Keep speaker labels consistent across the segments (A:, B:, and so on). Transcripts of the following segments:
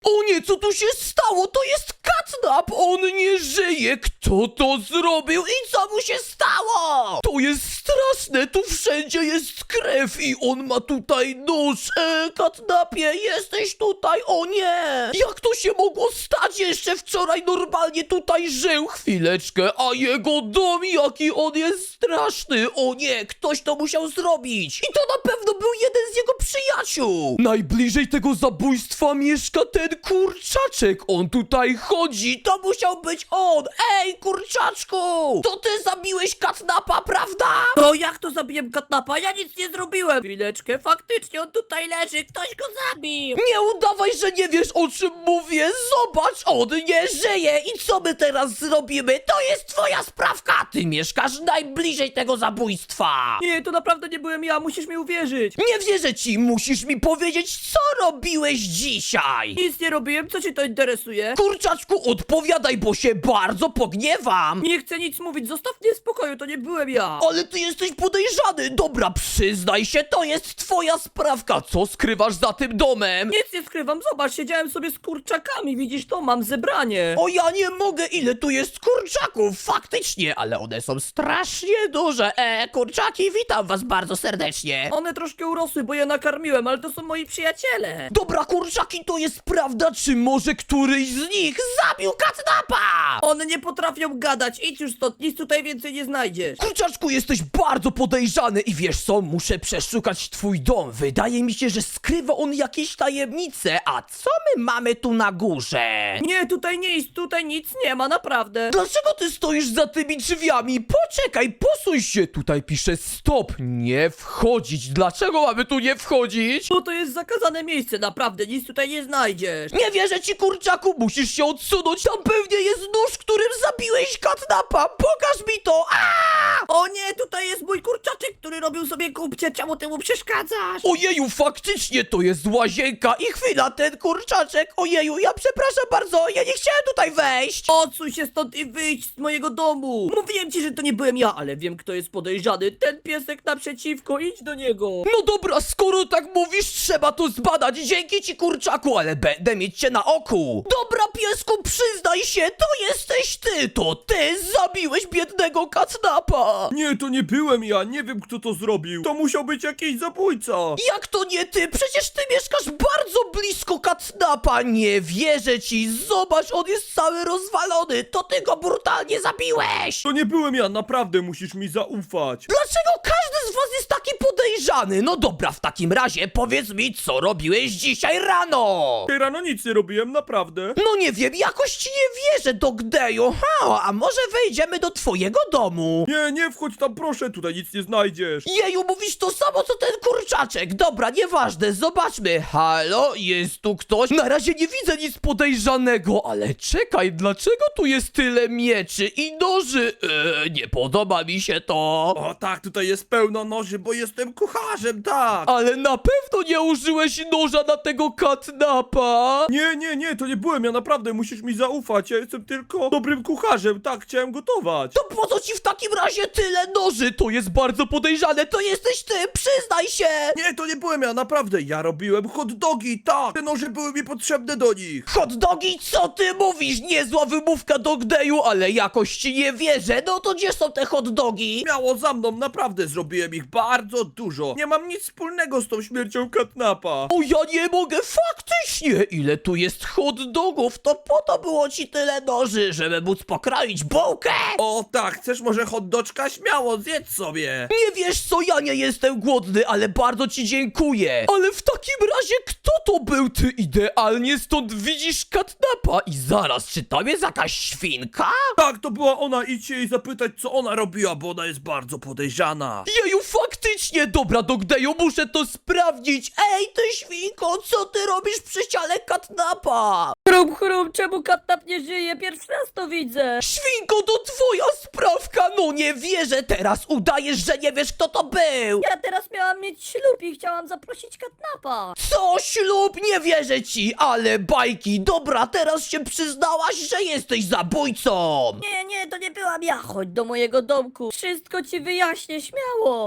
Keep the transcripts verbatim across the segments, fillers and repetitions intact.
A: O nie, co tu się stało? To jest Katnap! On nie żyje! Kto to zrobił i co mu się stało? To jest straszne, tu wszędzie jest krew i on ma tutaj nóż. E, Katnapie, jesteś tutaj? O nie! Jak to się mogło stać? Jeszcze wczoraj normalnie tutaj żył. Chwileczkę, a jego dom, jaki on jest straszny. O nie, ktoś to musiał zrobić. I to na pewno był jeden z jego przyjaciół. Najbliżej tego zabójstwa mieszka ten kurczaczek. On tutaj chodzi. To musiał być on. Ej, kurczaczku! To ty zabiłeś Katnapa, prawda?
B: To jak to zabiłem Katnapa? Ja nic nie zrobiłem! Chwileczkę, faktycznie on tutaj leży, ktoś go zabił!
A: Nie udawaj, że nie wiesz, o czym mówię. Zobacz, on nie żyje. I co my teraz zrobimy? To jest twoja sprawka. Ty mieszkasz najbliżej tego zabójstwa.
B: Nie, to naprawdę nie byłem ja, musisz mi uwierzyć!
A: Nie wierzę ci. Musisz mi powiedzieć, co robiłeś dzisiaj.
B: Nic nie robiłem, co cię to interesuje?
A: Kurczaczku, odpowiadaj, bo się bardzo pogniewam.
B: Nie chcę nic mówić, zostaw mnie w spokoju, to nie byłem ja!
A: Ale ty jesteś podejrzany. Dobra, przyznaj się, to jest twoja sprawka. Co skrywasz za tym domem?
B: Nic nie skrywam, zobacz, siedziałem sobie z kurczakami, widzisz to, mam zebranie!
A: O, ja nie mogę, ile tu jest kurczaków, faktycznie, ale one są strasznie duże. E, kurczaki, witam was bardzo serdecznie.
B: One troszkę urosły, bo je nakarmiłem, ale to są moi przyjaciele!
A: Dobra, kurczaki, to jest prawda, czy może któryś z nich zabił Katnapa?
B: One nie potrafią gadać, idź już stąd, nic tutaj więcej nie znajdziesz!
A: Kurczaczku, jesteś bardzo podejrzany i wiesz co, muszę przeszukać twój dom. Wydaje mi się, że skrywa on jakieś tajemnice, a co my mamy tu na górze?
B: Nie, tutaj nie jest, tutaj nic nie ma, naprawdę!
A: Dlaczego ty stoisz za tymi drzwiami? Poczekaj, posuń się. Tutaj pisze stop, nie wchodzić. Dlaczego mamy tu nie wchodzić?
B: Bo to jest zakazane miejsce, naprawdę, nic tutaj nie znajdziesz!
A: Nie wierzę ci, kurczaku, musisz się odsunąć. Tam pewnie jest nóż, którym zabiłeś Katnapa. Pokaż mi to. Aaaa!
B: O nie, tutaj jest mój kurczaczek, który robił sobie kupcie, czemu ty mu przeszkadzasz?
A: Ojeju, faktycznie to jest łazienka. I chwila, ten kurczaczek. Ojeju, ja przepraszam bardzo, ja nie chciałem tutaj wejść.
B: Odsuń się stąd i wyjdź z mojego domu! Mówiłem ci, że to nie byłem ja, ale wiem, kto jest podejrzany. Ten piesek naprzeciwko, idź do niego!
A: No dobra, skoro tak mówisz, trzeba to zbadać. Dzięki ci, kurczaku, ale będę mieć cię na oku. Dobra, piesku, przyznaj się, to jesteś ty. To ty zabiłeś biednego Katnapa.
C: Nie, to nie byłem ja, nie wiem kto to zrobił. To musiał być jakiś zabójca.
A: Jak to nie ty? Przecież ty mieszkasz bardzo blisko Katnapa. Nie wierzę ci. Zobacz, on jest cały rozwalony. To ty go brutalnie zabiłeś.
C: To nie byłem ja, naprawdę musisz mi zaufać.
A: Dlaczego każdy z was jest taki podejrzany? No dobra, w takim razie powiedz mi, co robiłeś dzisiaj rano?
C: Tej rano nic nie robiłem, naprawdę.
A: No nie wiem, jakoś ci nie wierzę, Dogdeju. Ha, a może wejdziemy do twojego domu?
C: Nie, nie wchodź tam proszę, tutaj nic nie znajdziesz.
A: Jeju, mówisz to samo, co ten kurczaczek. Dobra, nieważne, zobaczmy. Halo, jest tu ktoś? Na razie nie widzę nic podejrzanego, ale czekaj, dlaczego tu jest tyle mieczy i noży? Eee, nie podoba mi się to.
C: O tak, tutaj jest pełno noży, bo jestem kucharzem, tak.
A: Ale na pewno nie użyłeś noża na tego Katnapa.
C: Nie, nie, nie, to nie byłem ja, naprawdę musisz mi zaufać. Ja jestem tylko dobrym kucharzem, tak, chciałem gotować.
A: To po co ci w takim razie tyle noży? To jest bardzo podejrzane, to jesteś ty, przyznaj się.
C: Nie, to nie byłem ja, naprawdę. Ja robiłem hot dogi, tak. Te noże były mi potrzebne do nich.
A: Hot dogi, co ty mówisz? Niezła wymówka, Dogdeju, ale jakoś ci nie wierzę. No to gdzie są te hot dogi?
C: Miało za mną, naprawdę zrobiłem ich bardzo dużo. Nie mam nic wspólnego z tą śmiercią Katnapa.
A: O, ja nie mogę, faktycznie! Ile tu jest hot dogów? To po to było ci tyle noży, żeby móc pokroić bułkę!
C: O tak, chcesz może hot doczka? Śmiało, zjedz sobie.
A: Nie wiesz co, ja nie jestem głodny, ale bardzo ci dziękuję. Ale w takim razie kto to był? Ty idealnie stąd widzisz Katnapa i zaraz, czy tam jest jakaś świnka?
C: Tak, to była ona, idźcie jej zapytać co ona robiła, bo ona jest bardzo podejrzana.
A: Jeju, faktycznie! Dobra, Dogdeju, muszę to sprawdzić! Ej, ty świnko, co ty robisz przy ciele Katnapa?
B: Chrum, chrum, czemu Katnap nie żyje? Pierwszy raz to widzę!
A: Świnko, to twoja sprawka! No nie wierzę, teraz udajesz, że nie wiesz kto to był!
B: Ja teraz miałam mieć ślub i chciałam zaprosić Katnapa!
A: Co, ślub? Nie wierzę ci, ale bajki! Dobra, teraz się przyznałaś, że jesteś zabójcą!
B: Nie, nie, to nie byłam ja, chodź do mojego domku! Wszystko ci wyjaśnię, śmiało!
A: Co ty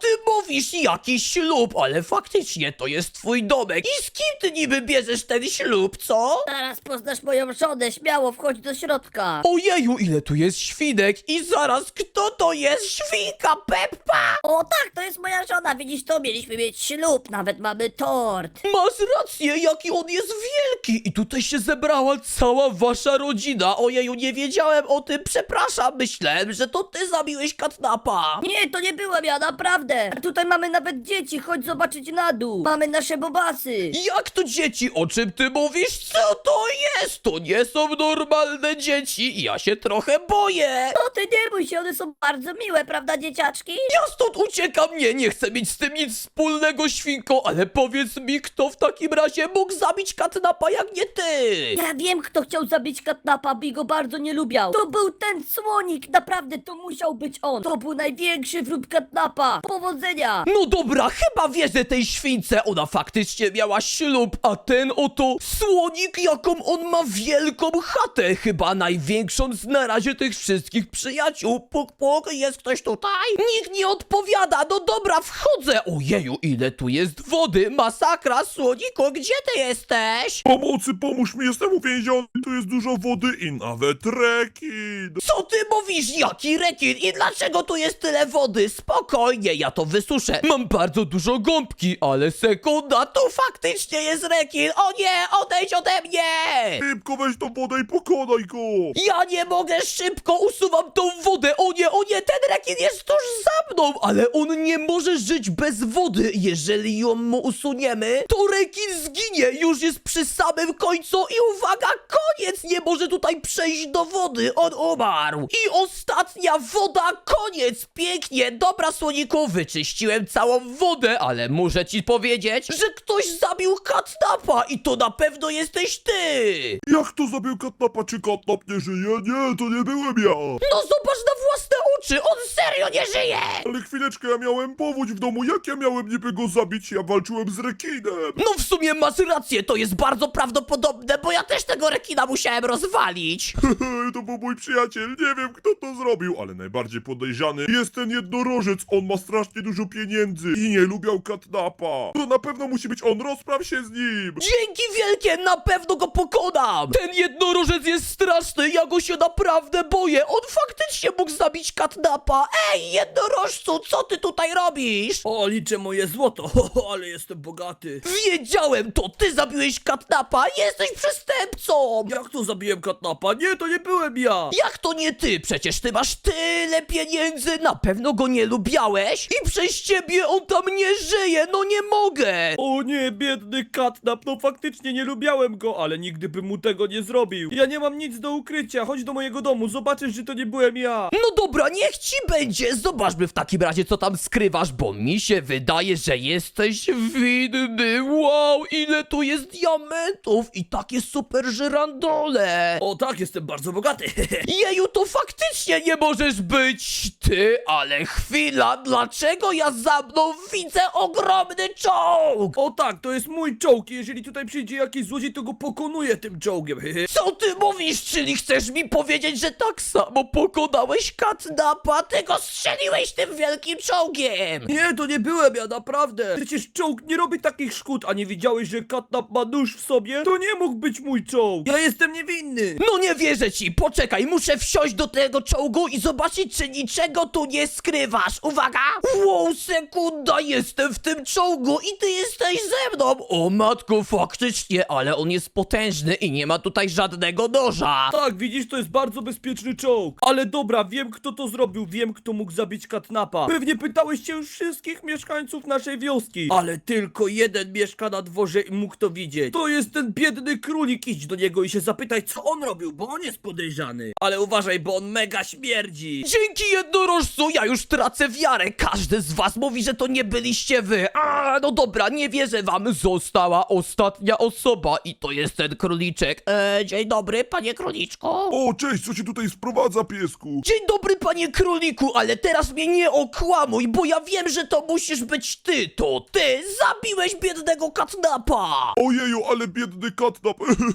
A: mówisz? Jaki ślub? Ale faktycznie to jest twój domek. I z kim ty niby bierzesz ten ślub, co?
D: Zaraz poznasz moją żonę, śmiało wchodź do środka.
A: Ojeju, ile tu jest świnek i zaraz, kto to jest? Świnka Peppa!
D: O tak, to jest moja żona, widzisz to? Mieliśmy mieć ślub, nawet mamy tort.
A: Masz rację, jaki on jest wielki! I tutaj się zebrała cała wasza rodzina. Ojeju, nie wiedziałem o tym, przepraszam, myślałem, że to ty zabiłeś Katnapa.
D: Nie, to nie byłem ja, naprawdę. A tutaj mamy nawet dzieci, chodź zobaczyć na dół. Mamy nasze bobasy.
A: Jak to dzieci? O czym ty mówisz? Co to jest? To nie są normalne dzieci. Ja się trochę boję.
D: No ty nie bój się, one są bardzo miłe, prawda dzieciaczki?
A: Ja stąd uciekam, nie, nie chcę mieć z tym nic wspólnego, świnko, ale powiedz mi, kto w takim razie mógł zabić Katnapa jak nie ty?
D: Ja wiem, kto chciał zabić Katnapa, by go bardzo nie lubiał. To był ten słonik, naprawdę to musiał być on. To był największy wróg Katnapa. Powodzenia!
A: No dobra, chyba wierzę tej śwince, ona faktycznie miała ślub, a ten oto słonik, jaką on ma wielką chatę, chyba największą z na razie tych wszystkich przyjaciół. Puk, puk, jest ktoś tutaj? Nikt nie odpowiada, no dobra, wchodzę. Ojeju, ile tu jest wody, masakra, słoniku, gdzie ty jesteś?
C: Pomocy, pomóż mi, jestem uwięziony, tu jest dużo wody i nawet rekin.
A: Co ty mówisz, jaki rekin i dlaczego tu jest tyle wody? Spokojnie, ja to wysuszę. Mam bardzo dużo gąbki, ale sekunda, tu faktycznie jest rekin. O nie, odejdź ode mnie!
C: Szybko weź tą wodę i pokonaj go.
A: Ja nie mogę, szybko usuwam tą wodę. O nie, o nie, ten rekin jest tuż za mną, ale on nie może żyć bez wody. Jeżeli ją mu usuniemy, to rekin zginie. Już jest przy samym końcu i uwaga, koniec. Nie może tutaj przejść do wody. On umarł. I ostatnia woda, koniec. Pięknie. Dobra, słoniku, wyczyściłem całą wodę, ale muszę ci powiedzieć, że ktoś zabił Katnapa i to na pewno jesteś ty.
C: Jak to zabił Katnapa? Czy Katnap nie żyje? Nie, to nie byłem ja.
A: No zobacz na własne oczy, on serio nie żyje!
C: Ale chwileczkę, ja miałem powódź w domu, jak ja miałem niby go zabić? Ja walczyłem z rekinem.
A: No w sumie masz rację, to jest bardzo prawdopodobne, bo ja też tego rekina musiałem rozwalić.
C: To był mój przyjaciel, nie wiem kto to zrobił, ale najbardziej podejrzany jest ten jednorożec, on ma strasznie dużo pieniędzy i nie lubiał Katnapa. To na pewno musi być on, rozpraw się z nim.
A: Dzięki wielkie, na pewno go pokonam! Ten jednorożec jest straszny, ja go się naprawdę boję, on faktycznie mógł zabić Katnapa. Ej, jednorożcu, co ty tutaj robisz?
B: O, liczę moje złoto, ale jestem bogaty.
A: Wiedziałem, to ty zabiłeś Katnapa, jesteś przestępcą!
B: Jak to zabiłem Katnapa? Nie, to nie byłem ja.
A: Jak to nie ty? Przecież ty masz tyle pieniędzy, na pewno go nie lubiałeś i przez ciebie on tam nie żyje, no nie mogę!
B: O nie, biedny Katnap, no faktycznie nie lubiałem go, ale nigdy bym mu tego nie zrobił. Ja nie mam nic do ukrycia, chodź do mojego domu, zobaczysz, że to nie byłem ja.
A: No dobra, niech ci będzie, zobaczmy w takim razie co tam skrywasz, bo mi się wydaje, że jesteś winny. Wow, ile tu jest diamentów i takie super żyrandole!
B: O tak, jestem bardzo bogaty.
A: Jeju, to faktycznie nie możesz być ty, ale chwila, dlaczego ja za mną widzę ogromny czołg?
B: O tak, to jest mój czołg i jeżeli tutaj przyjdzie jakiś złodziej, to go pokonuję tym czołgiem.
A: Co ty mówisz, czyli chcesz mi powiedzieć, że tak samo pokonałeś Katnapa, ty go strzeliłeś tym wielkim czołgiem?
B: Nie, to nie byłem ja, naprawdę. Przecież czołg nie robi takich szkód, a nie widziałeś, że Katnap ma nóż w sobie? To nie mógł być mój czołg. Ja jestem niewinny.
A: No nie wierzę ci, poczekaj, muszę wsiąść do tego czołgu i zobaczyć, czy niczego tu nie skrywasz. Uwaga! Wow, sekunda, jestem w tym czołgu i ty jesteś ze mną. O matko, faktycznie, ale on jest potężny i nie ma tutaj żadnego noża.
B: Tak, widzisz, to jest bardzo bezpieczny czołg. Ale dobra, wiem kto to zrobił, wiem kto mógł zabić Katnapa. Pewnie pytałeś się już wszystkich mieszkańców naszej wioski. Ale tylko jeden mieszka na dworze i mógł to widzieć. To jest ten biedny królik, idź do niego i się zapytaj, co on robił, bo on jest podejrzany. Ale uważaj, bo on mega śmierdzi.
A: Dzięki jednorożcu, ja już tracę wiarę. Każdy z was mówi, że to nie byliście wy. A, no dobra, nie wierzę wam. Została ostatnia osoba i to jest ten króliczek. E, dzień dobry, panie króliczku.
C: O, cześć, co się tutaj sprowadza, piesku?
A: Dzień dobry, panie króliku, ale teraz mnie nie okłamuj, bo ja wiem, że to musisz być ty. To ty zabiłeś biednego Katnapa.
C: Ojeju, ale biedny Katnap, widziałem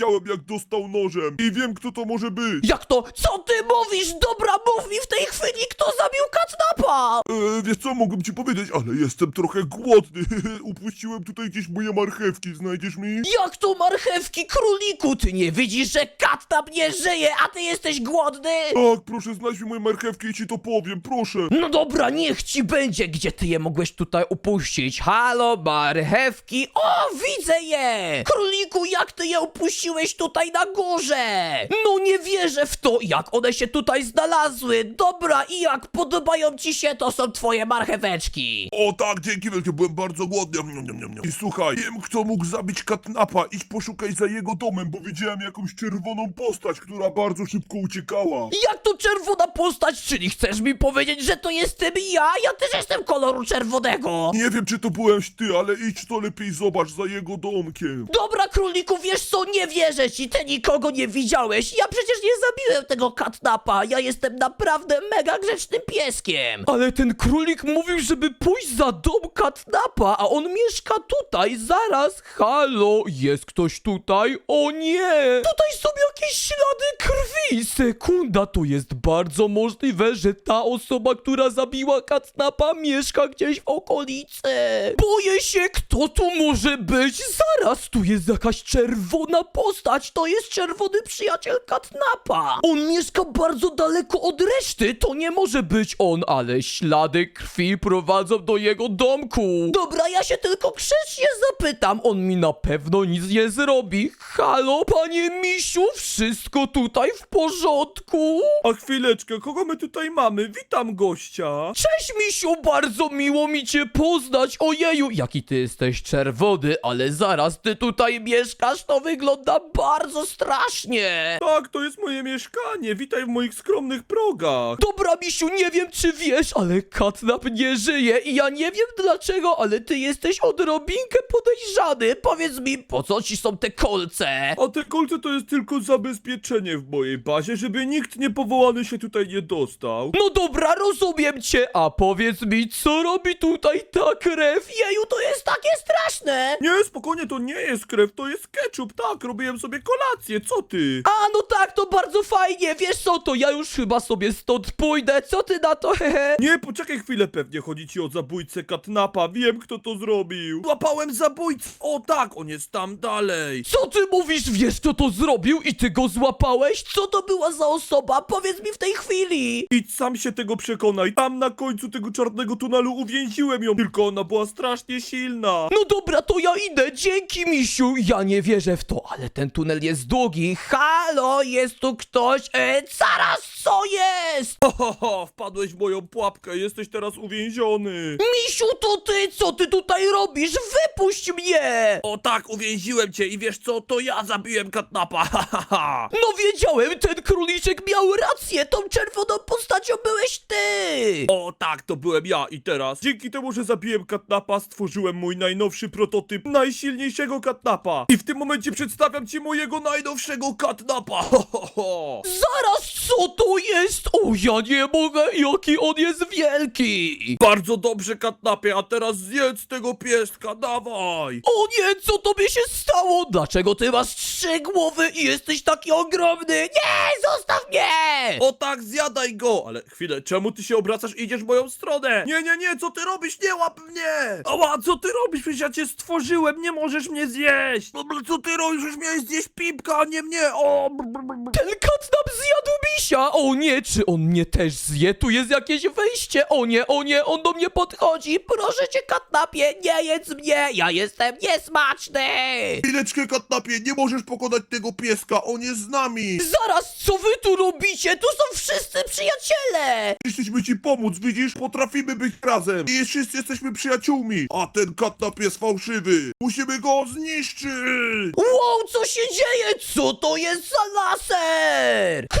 C: widziałem jak dostał nożem i wiem kto to może być.
A: Jak to? Co ty mówisz? Dobra, mów mi w tej chwili, kto zabił Katnapa!
C: E, wiesz co, mogłem ci powiedzieć, ale jestem trochę głodny. Upuściłem tutaj gdzieś moje marchewki, znajdziesz mi?
A: Jak to marchewki, króliku? Ty nie widzisz, że Katnap nie żyje, a ty jesteś głodny?
C: Tak, proszę, znajdź mi moje marchewki i ci to powiem, proszę.
A: No dobra, niech ci będzie. Gdzie ty je mogłeś tutaj upuścić? Halo, marchewki. O, widzę je! Króliku, jak ty je upuściłeś tutaj na górze? No nie wierzę w to, jak one się tutaj znalazły. Dobra, i jak podobają ci się, to są twoje marcheweczki.
C: O tak, dzięki wielkie, byłem bardzo głodny. Niam, niam, niam, niam. I słuchaj, wiem kto mógł zabić Katnapa, idź poszukaj za jego domem, bo widziałem jakąś czerwoną postać, która bardzo szybko uciekała.
A: Jak to czerwona postać? Czyli chcesz mi powiedzieć, że to jestem ja? Ja też jestem koloru czerwonego.
C: Nie wiem czy to byłeś ty, ale idź to lepiej zobacz za jego domkiem.
A: Dobra, króliku, wiesz co, nie wierzę ci, ty nikogo nie widziałeś. Ja przecież nie zabiłem tego Katnapa, ja jestem naprawdę mega grzecznym pieskiem. Ale ten królik mówił, żeby pójść za dom Katnapa, a on mieszka tutaj, zaraz. Halo, jest ktoś tutaj? O nie! Tutaj są jakieś ślady krwi. Sekunda, to jest bardzo możliwe, że ta osoba, która zabiła Katnapa, mieszka gdzieś w okolicy. Boję się, kto tu może być. Zaraz, tu jest jakaś czerwona postać. To jest czerwony przyjaciel Katnapa. On mieszka bardzo daleko od reszty. To nie może być on, ale ślady krwi prowadzą do jego domku. Dobra, ja się tylko grzecznie zapytam. On mi na pewno nic nie zrobi. Halo, panie misiu, wszystko tutaj w porządku?
B: A chwileczkę, kogo my tutaj mamy? Witam gościa.
A: Cześć, misiu, bardzo miło mi cię poznać. Ojeju, jaki ty jesteś czerwony, ale zaraz ty tutaj mieszkasz, to wygląda bardzo strasznie.
B: Tak, to jest moje mieszkanie, witaj w moich skromnych progach.
A: Dobra, misiu, nie wiem czy wiesz, ale Katnap nie żyje i ja nie wiem dlaczego, ale ty jesteś odrobinkę podejrzany. Powiedz mi, po co ci są te kolce?
B: A te kolce to jest tylko zabezpieczenie w mojej bazie, żeby nikt niepowołany się tutaj nie dostał.
A: No dobra, rozumiem cię, a powiedz mi, co robi tutaj ta krew? Jeju, to jest takie straszne.
B: Nie, spokojnie, to nie jest krew, to jest ketchup, tak, robiłem sobie kolację, co ty?
A: A, no tak, to bardzo fajnie, wiesz co, to ja już chyba sobie stąd pójdę, co ty na to, hehe?
B: Nie, poczekaj chwilę, pewnie chodzi ci o zabójcę Katnapa, wiem kto to zrobił. Złapałem zabójcę, o tak, on jest tam dalej.
A: Co ty mówisz, wiesz kto to zrobił i ty go złapałeś? Co to była za osoba? Powiedz mi w tej chwili.
B: Idź sam się tego przekonaj, tam na końcu tego czarnego tunelu uwięziłem ją, tylko ona była strasznie silna.
A: No dobra, to ja idę, dzięki misiu, ja nie wierzę w to, ale ten tunel jest długi. Halo, jest tu ktoś? E, zaraz, co jest?
B: Ho, ho, ho, wpadłeś w moją pułapkę, jesteś teraz uwięziony.
A: Misiu, to ty, co ty tutaj robisz? Wypuść mnie!
B: O tak, uwięziłem cię i wiesz co, to ja zabiłem Katnapa, ha, ha, ha.
A: No wiedziałem, ten króliczek miał rację, tą czerwoną postacią byłeś ty!
B: O tak, to byłem ja i teraz, dzięki temu, że zabiłem Katnapa, stworzyłem mój najnowszy prototyp najsilniejszego Katnapa. I w tym momencie przedstawiam ci mojego najnowszego Katnapa, ho, ho, ho.
A: Zaraz, co to jest? O, ja nie mogę, jaki on jest wielki!
B: Bardzo dobrze, Katnapie, a teraz zjedz tego pieska, dawaj.
A: O nie, co tobie się stało? Dlaczego ty masz trzy głowy i jesteś taki ogromny? Nie, zostaw mnie!
B: O tak, zjadaj go! Ale chwilę, czemu ty się obracasz i idziesz w moją stronę? Nie, nie, nie, co ty robisz? Nie łap mnie! Ała, co ty robisz? Przecież ja cię stworzyłem, nie możesz mnie zjeść! No, co ty robisz? Już miałeś zjeść Pipka, a nie mnie! O!
A: Ten Katnap zjadł misia! O nie, czy on mnie też zje? Tu jest jakieś wyjście! O nie, o nie, on do mnie podchodzi! Proszę cię, Katnapie, nie jedz mnie! Ja jestem niesmaczny!
C: Chwileczkę, Katnapie, nie możesz pokonać tego pieska, on jest z nami.
A: Zaraz, co wy tu robicie? Tu są wszyscy przyjaciele!
C: Chcieliśmy ci pomóc, widzisz? Potrafimy być razem i wszyscy jesteśmy przyjaciółmi. A ten Katnap jest fałszywy. Musimy go zniszczyć.
A: Wow, co się dzieje? Co to jest za laser? Króliczku,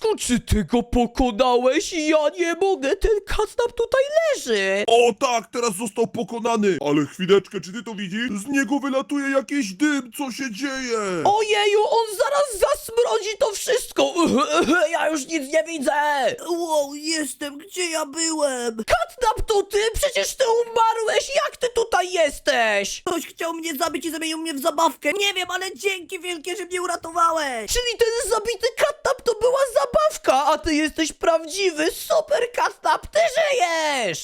A: Słoniaczku, czy ty go pokonałeś? Ja nie mogę, ten Katnap tutaj leży.
C: O tak, teraz został pokonany. Ale chwileczkę, czy ty to widzisz? Z niego wylatuje jakiś dym, co się dzieje?
A: Ojeju, on zaraz zasmrodzi to wszystko. Ja już nic nie widzę.
B: Wow, jestem, gdzie ja byłem?
A: Katnap, to ty? Przecież ty umarłeś. Jak ty tutaj jesteś?
B: Ktoś chciał mnie zabić i zamienił mnie w zabawkę. Nie wiem, ale dzięki wielkie, że mnie uratowałeś.
A: Czyli ten zabity Katnap to była zabawka, a ty jesteś prawdziwy super Katnap, ty żyjesz!